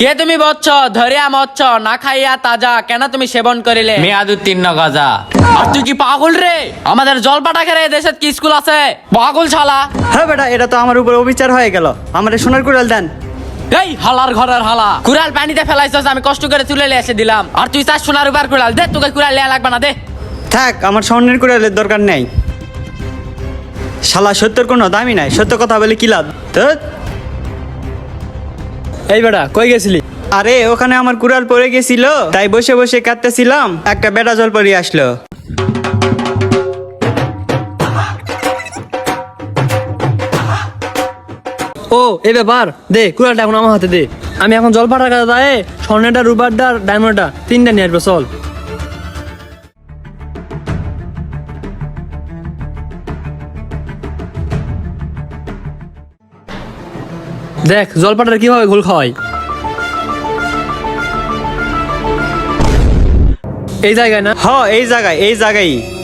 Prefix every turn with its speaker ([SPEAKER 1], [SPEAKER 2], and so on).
[SPEAKER 1] কে তুমি বচ্চ ধরিয়া মচ্ছ না খাইয়া তাজা কেন তুমি সেবন করিলে মেয়াদ উত্তীর্ণ গাজা। আর তুই কি পাগল রে? আমাদের জলপাটা খেলে দেশে কি স্কুল আছে? পাগল শালা।
[SPEAKER 2] হ্যাঁ বেটা, এটা তো আমার উপর অবিচার হয়ে গেল। আমার সোনার কুড়াল দেন।
[SPEAKER 1] এই হালার ঘরের হালা, কুড়াল পানিতে ফেলাইছস, আমি কষ্ট করে তুলে নিয়ে এসে দিলাম, আর তুই চাস সোনার উপর কুড়াল? দে, তোকে কুড়াল নেওয়া লাগবে না, দে।
[SPEAKER 2] থাক, আমার স্বর্ণের কুড়ালের দরকার নেই। শালা সত্যের কোনো দামই নাই, সত্য কথা বলে কি লাভ? ধ্যাৎ।
[SPEAKER 3] এই বেটা কই গেছিলি?
[SPEAKER 2] আরে ওখানে আমার কুড়াল পড়ে গেছিল, তাই বসে বসে কাঁদতেছিলাম, একটা বেটা জল পড়ে আসলো।
[SPEAKER 3] ও এই ব্যাপার, দে কুড়ালটা এখন আমার হাতে দে। আমি এখন জল পাঠার কাছে যাই, স্বর্ণেরটা রুবারটা আর ডায়মন্ডটা তিনটা নিয়ে আসবো, চল। দেখ জলপাটার কিভাবে ঘোল খাওয়াই। এই জায়গায় না?
[SPEAKER 2] হ, এই জায়গায়।